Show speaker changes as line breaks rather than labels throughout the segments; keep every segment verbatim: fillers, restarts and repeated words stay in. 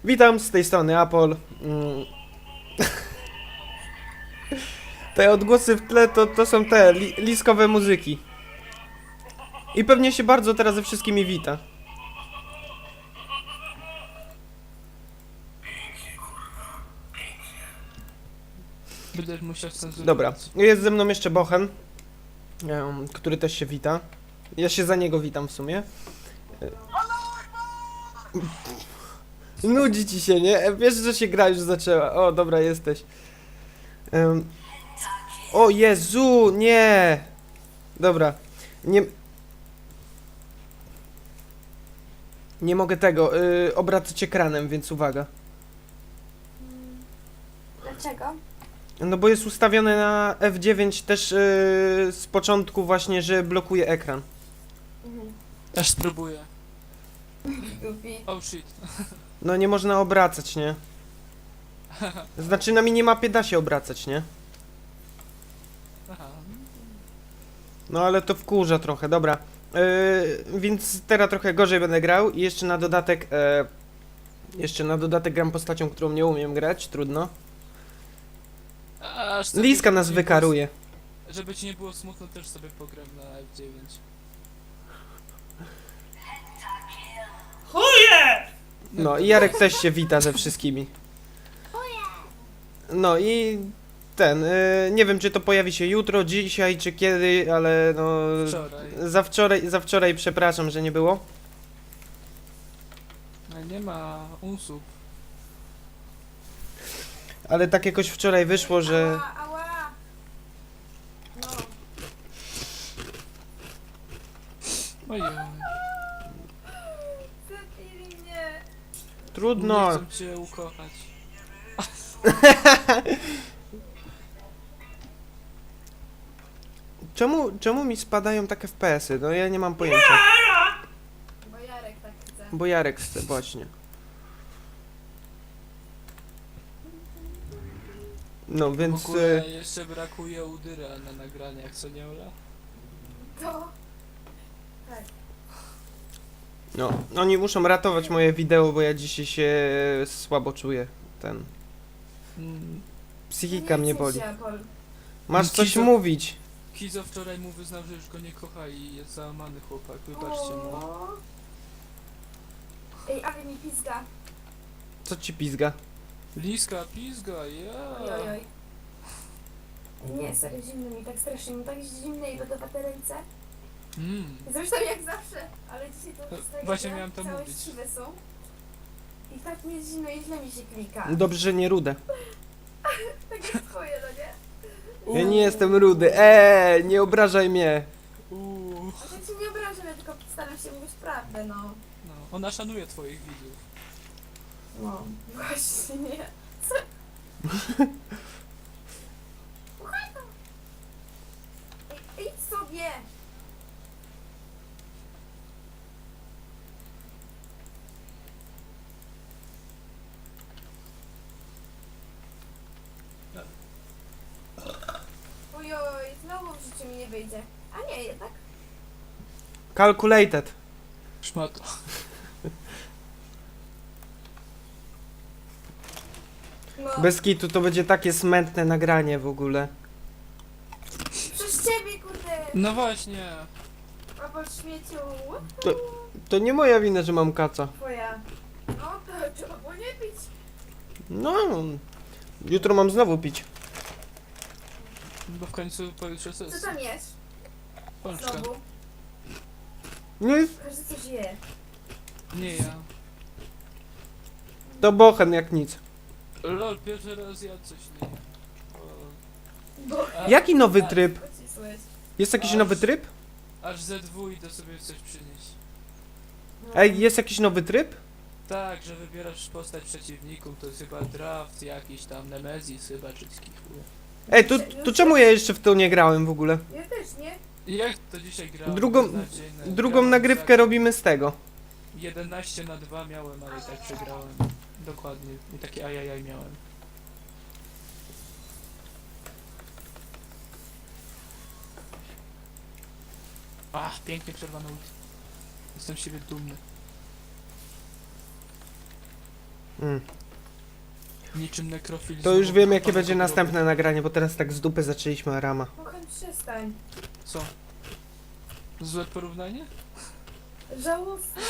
Witam, z tej strony Apol. Mm. Te odgłosy w tle to, to są te li, liskowe muzyki. I pewnie się bardzo teraz ze wszystkimi wita.
Będziesz musiał cenzurować.
Dobra, jest ze mną jeszcze Bochen, em, który też się wita. Ja się za niego witam w sumie. Nudzi ci się, nie? Wiesz, że się gra już zaczęła. O, dobra, jesteś. Em, O Jezu, nie! Dobra, nie... Nie mogę tego, yy, obracać ekranem, więc uwaga.
Dlaczego?
No bo jest ustawione na F dziewięć też yy, z początku właśnie, że blokuje ekran.
Mhm.
Aż spróbuję.
Głupi.
Oh shit.
No nie można obracać, nie? Znaczy na minimapie da się obracać, nie?
Aha.
No ale to wkurza trochę, dobra. Yy, więc teraz trochę gorzej będę grał i jeszcze na dodatek... Yy, jeszcze na dodatek gram postacią, którą nie umiem grać, trudno.
Aż sobie,
Liska
żeby
nas
ci nie było-
wykaruje.
Żeby ci nie było smutno, też sobie pogram na F dziewięć.
No i Jarek też się wita ze wszystkimi. No i ten, y, nie wiem czy to pojawi się jutro, dzisiaj czy kiedy, ale no...
Wczoraj.
Za wczoraj, za wczoraj przepraszam, że nie było.
No nie ma unsub.
Ale tak jakoś wczoraj wyszło, że...
Ała, ała. No.
Ojej.
Zabili mnie.
Trudno.
Nie chcę cię ukochać.
Czemu, czemu mi spadają takie F P S-y? No ja nie mam pojęcia.
Bo Jarek tak chce.
Bo Jarek chce, właśnie. No
W
więc...
ogóle
y,
jeszcze brakuje Udyra na nagraniach, co nie Ola?
To. Tak.
No, oni muszą ratować moje wideo, bo ja dzisiaj się słabo czuję. Ten...
Mm.
Psychika mnie boli.
Się, Apol.
Masz coś
Kizo-
mówić.
Kizo wczoraj mu wyznał, że już go nie kocha i jest załamany chłopak, wybaczcie mu.
O. Ej, ale mi pizga.
Co ci pizga?
Liska, pizga, ja.
Oj, oj, oj. Nie, serio, zimno mi, tak strasznie, mi tak zimne i lodowate ręce.
Mm.
Zresztą jak zawsze, ale dzisiaj to wstaję,
Właśnie
że
miałem to
całe
mówić.
siwe są. I tak mi jest zimno i źle mi się klika.
Dobrze, że nie rude.
Tak jak twoje, no nie?
Ja nie jestem rudy. Eee, nie obrażaj mnie.
Uuu.
A ja cię nie obrażam, ja tylko staram się mówić prawdę, no.
No, ona szanuje twoich widzów.
No, właśnie nie. Co? Słuchaj to! Ej, idź sobie! Ojoj, znowu w życiu mi nie wyjdzie. A nie, jednak.
Calculated.
Szmato.
No,
Bez kitu to będzie takie smętne nagranie w ogóle.
przez ciebie, kurde!
No właśnie.
A po śmieciu.
To nie moja wina, że mam kaca.
Twoja. No, to trzeba było nie pić.
No, jutro mam znowu pić.
Bo w końcu pojutrze
Co
sesja.
tam jest?
Pączka.
Znowu.
No i
Każdy coś je.
Nie ja.
to bochen jak nic.
Lol, pierwszy raz ja coś nie jem.
Bo...
A-
Jaki nowy
a-
tryb?
Pocisłeś.
Jest jakiś nowy tryb?
Aż ze dwu idę sobie coś przynieść.
No.
Ej, jest jakiś nowy tryb?
Tak, że wybierasz postać przeciwników, to jest chyba draft jakiś tam, Nemesis chyba, czy taki chuj.
Ej, to, to czemu ja jeszcze w to nie grałem w ogóle?
Ja też, nie?
Jak to dzisiaj grałem?
Drugą-
beznadziejne.
Drugą
Grałem
nagrywkę
za
robimy z tego.
jedenaście na dwa miałem, ale i tak przegrałem. Dokładnie. I takie ajajaj miałem. Ach, pięknie przerwany ult. Jestem z siebie dumny.
Mm.
Niczym nekrofil.
To już
znowu
wiem, jakie
wykopane
będzie
grobu.
następne nagranie, bo teraz tak z dupy zaczęliśmy Arama.
Kocham, przestań.
Co? Złe porównanie?
Żałosne.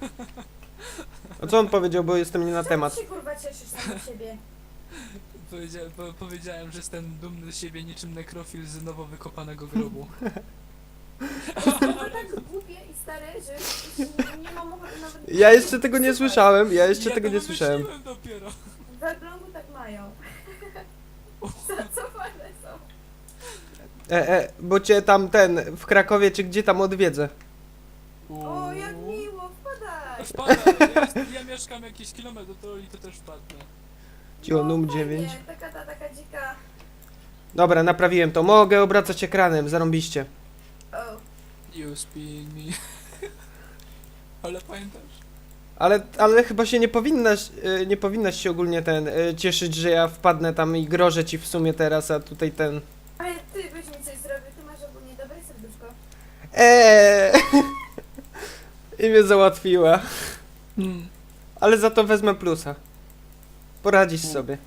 A co on powiedział, bo jestem nie na
Czemu
temat.
się kurwa cieszysz sam z siebie?
Powiedzia po powiedziałem, że jestem dumny z siebie niczym nekrofil z nowo wykopanego grobu.
To tak głupie i stare, że już nie mam ochoty nawet...
Ja jeszcze tego nie
Słuchaj,
słyszałem, ja jeszcze
ja
tego
to
nie słyszałem.
wymyśliłem dopiero.
W Elblągu tak mają. Zacofane są.
E, e, bo cię tam ten, w Krakowie czy gdzie tam odwiedzę.
O, jak miło, wpadaj.
Wpada, ja, jest- ja mieszkam jakiś kilometr do Toli, to też wpadnę.
Cicho, num
fajnie,
dziewięć.
Taka ta, taka dzika...
Dobra, naprawiłem to. Mogę obracać ekranem, zarąbiście.
O,
You spin me. Ale pamiętasz?
Ale, ale chyba się nie powinnaś, y, nie powinnaś się ogólnie ten, y, cieszyć, że ja wpadnę tam i grożę ci w sumie teraz, a tutaj ten...
ale ty byś mi coś zrobił, ty masz ogólnie dobre serduszko.
Eee. I mnie załatwiła.
Mm.
Ale za to wezmę plusa. Poradzisz
U.
sobie.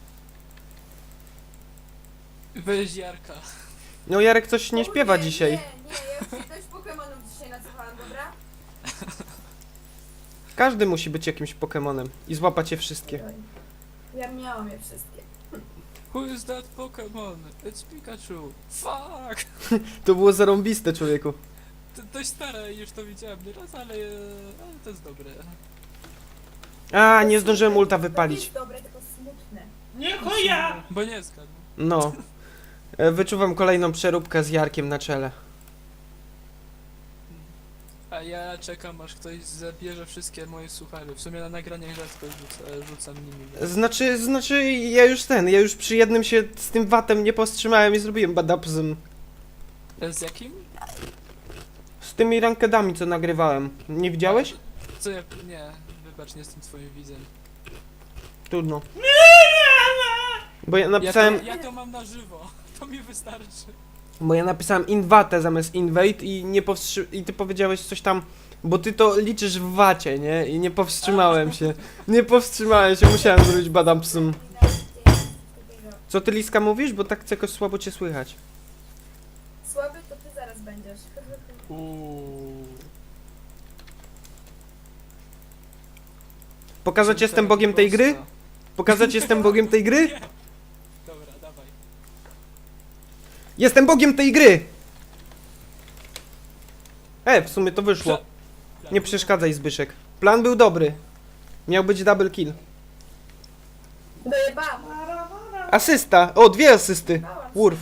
Weź Jarka.
No Jarek coś nie
O,
śpiewa
nie,
dzisiaj.
Nie, nie, ja już się dość Pokemonów dzisiaj nacofałam, dobra?
Każdy musi być jakimś Pokemonem i złapać je wszystkie.
Oj, ja miałam je wszystkie.
Who is that Pokemon? It's Pikachu. Fuck!
To było zarąbiste, człowieku.
To dość stare, już to widziałem nieraz, ale, ale to jest dobre.
A, nie zdążyłem ulta
To
wypalić.
jest dobre, tylko smutne.
Nie chuja!
Bo nie zgadł.
No. E, Wyczuwam kolejną przeróbkę z Jarkiem na czele.
A ja czekam, aż ktoś zabierze wszystkie moje suchary. W sumie na nagraniach rzadko rzuca, rzucam nimi. więc-
Znaczy, znaczy, ja już ten, ja już przy jednym się z tym watem nie powstrzymałem i zrobiłem badapzm.
E, Z jakim?
Z tymi rankedami, co nagrywałem. Nie widziałeś?
Co ja... Nie, wybacz, nie jestem twoim widzem.
Trudno. Bo ja
Ja
napisałem,
to, ja to mam na żywo. To mi wystarczy.
bo ja napisałem invate zamiast invade i nie powstrzy... i ty powiedziałeś coś tam, bo ty to liczysz w wacie, nie? I nie powstrzymałem się. Nie powstrzymałem się, musiałem zrobić badapzm. Co ty, Liska, mówisz? Bo tak jakoś słabo cię słychać.
Słaby to ty zaraz będziesz.
Uuu.
Pokazać jestem bogiem tej gry? Pokazać jestem bogiem tej gry?
Nie. Dobra, dawaj.
Jestem bogiem tej gry! E, w sumie to wyszło. Nie przeszkadzaj, Zbyszek. Plan był dobry. Miał być double kill.
Dojebałam.
Asysta! O, dwie asysty!
Dojebałam.
Wurf.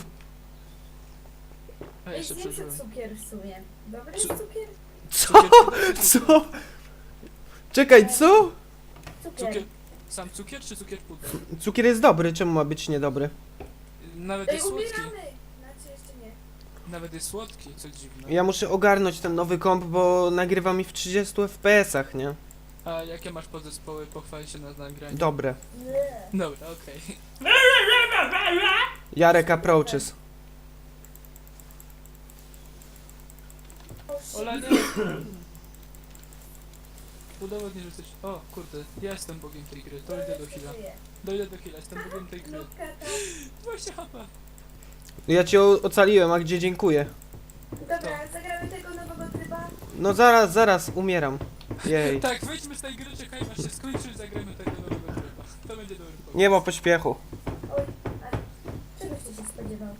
A
Ej,
jeszcze
zjem
przeżyłem.
se cukier w sumie. Dobry
Cu-
cukier?
Co? Co? Czekaj, co?
Cukier.
Cukier... Sam cukier czy cukier puder?
Cukier jest dobry, czemu ma być niedobry?
Nawet
Ej,
jest słodki.
umieramy! Znaczy jeszcze nie.
Nawet jest słodki, co dziwne.
Ja muszę ogarnąć ten nowy komp, bo nagrywa mi w trzydziestu F P S-ach, nie?
A jakie masz podzespoły? Pochwal się na nagraniu.
Dobre.
Nie.
Dobra, okej.
Jarek approaches.
Ola, nie! Udowodnij, że jesteś... O, kurde, ja jestem bogiem tej gry, to idę do Hila. Dojdę do Hila, jestem bogiem tej gry.
Nubka tam.
dwadzieścia H P.
Ja cię o- ocaliłem, a gdzie dziękuję?
Dobra, zagramy tego nowego tryba.
No zaraz, zaraz, umieram. Jej.
Tak, wyjdźmy z tej gry, czekajmy aż się skończy i zagrajmy tego nowego tryba. To będzie dobry pomysł.
Nie ma pośpiechu.
Oj, a czegoś ty się spodziewał?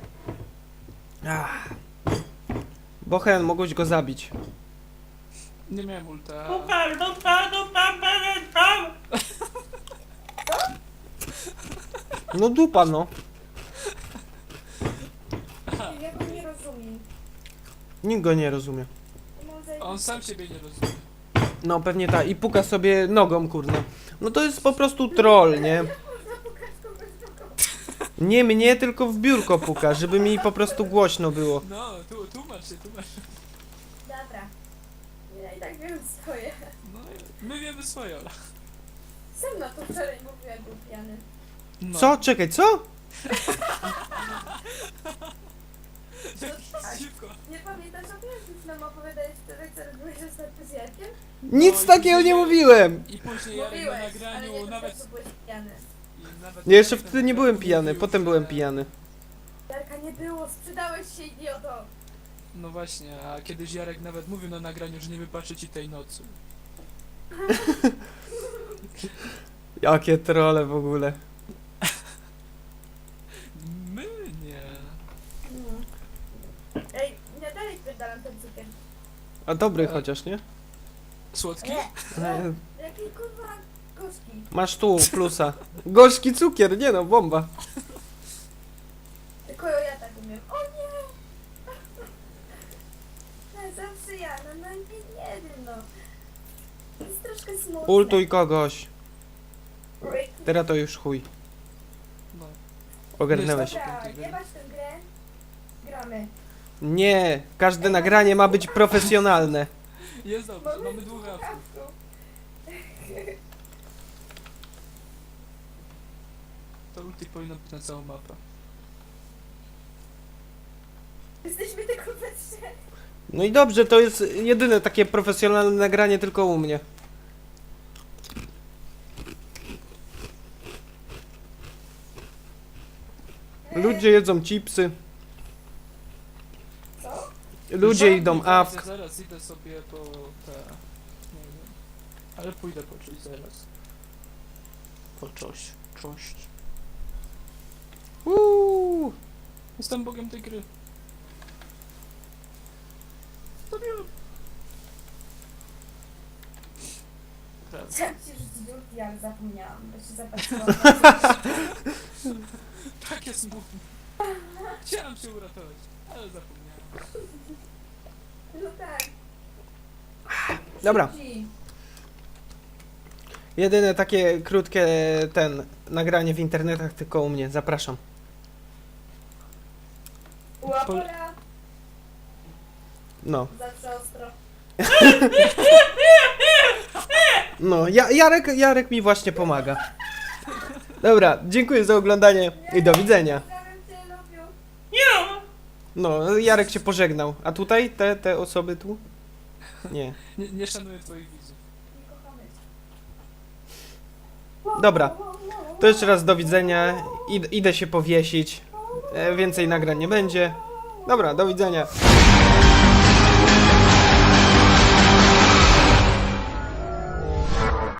Ach. Bochen, mogłeś go zabić.
Nie miałem ulta.
Dupa, dupa, dupa, dupa.
No dupa, no.
Aha,
Ja go nie rozumiem.
Nikt go nie rozumie.
Mam zajebiste-
on sam siebie nie rozumie.
No pewnie tak. I puka sobie nogą, kurde. No to jest po prostu troll, nie?
Można pukać kogoś nogą.
Nie mnie, tylko w biurko puka, żeby mi po prostu głośno było.
No, tu, tłumacz się, tłumacz się.
Dobra. Ja i tak wiem swoje.
No, my wiemy swoje, Ola.
Sam na to wczoraj mówiła, był pijany.
No.
Co? Czekaj, co?
Jak szybko.
Nie pamiętasz o tym, jak już nam opowiadałeś wtedy, co robiłeś ostatnio z Jarkiem?
Nic
i
takiego
później
nie
ja-
mówiłem!
I później Jarek na
Mówiłeś, ale
nagraniu
nie
nawet...
to byłeś pijany.
i nawet
Nie, jeszcze
Jarek na
wtedy nie byłem
nagraniu
pijany,
mówił,
potem
że-
byłem pijany.
Jarka nie było, sprzedałeś się, idioto.
No właśnie, a kiedyś Jarek nawet mówił na nagraniu, że nie wybaczy ci tej nocy.
Jakie trole w ogóle.
My nie.
Mm. Ej, ja dalej spierdalam ten cukier.
A dobry
E.
chociaż, nie?
Słodki?
Nie,
E,
jaki kurwa gorzki.
Masz tu plusa. Gorzki cukier, nie no, bomba.
Tylko ja tak umiem. O nie! No, zawsze ja, no, no nie, nie wiem, no. To jest troszkę smutne.
Ultuj kogoś.
Oj,
Teraz to już chuj.
No.
Ogarnęłeś.
Dobra, jebać tę grę. Gramy.
Nie, każde nagranie ma być profesjonalne.
Jest dobrze, mamy dwóch awków.
awków.
To ulti powinno być na całą mapę.
Jesteśmy tylko we trzech.
No i dobrze, to jest jedyne takie profesjonalne nagranie tylko u mnie. Ludzie jedzą chipsy.
Co?
Ludzie
Żadnych
idą
razy,
awk.
Zaraz idę sobie po te... Nie wiem. Ale pójdę po coś zaraz. Po coś. Czość.
Uuu.
Jestem bogiem tej gry. Zabiłem. Raz.
Chciałam ci rzucić ulti, ale zapomniałam, bo się zapatrzyłam.
Takie smutne. Chciałem się uratować, ale zapomniałem.
No tak.
Dobra,
Ci.
jedyne takie krótkie ten nagranie w internetach tylko u mnie. Zapraszam.
Łapola.
No.
Zawsze ostro.
No, ja, Jarek, Jarek mi właśnie pomaga. Dobra, dziękuję za oglądanie i do widzenia.
Pozdrawiam cię, lubię.
Nie.
No, Jarek się pożegnał. A tutaj te, te osoby tu? Nie.
Nie, nie szanuję twoich widzów.
Nie kochamy cię.
Dobra, to jeszcze raz do widzenia. Id idę się powiesić. E, więcej nagrań nie będzie. Dobra, do widzenia.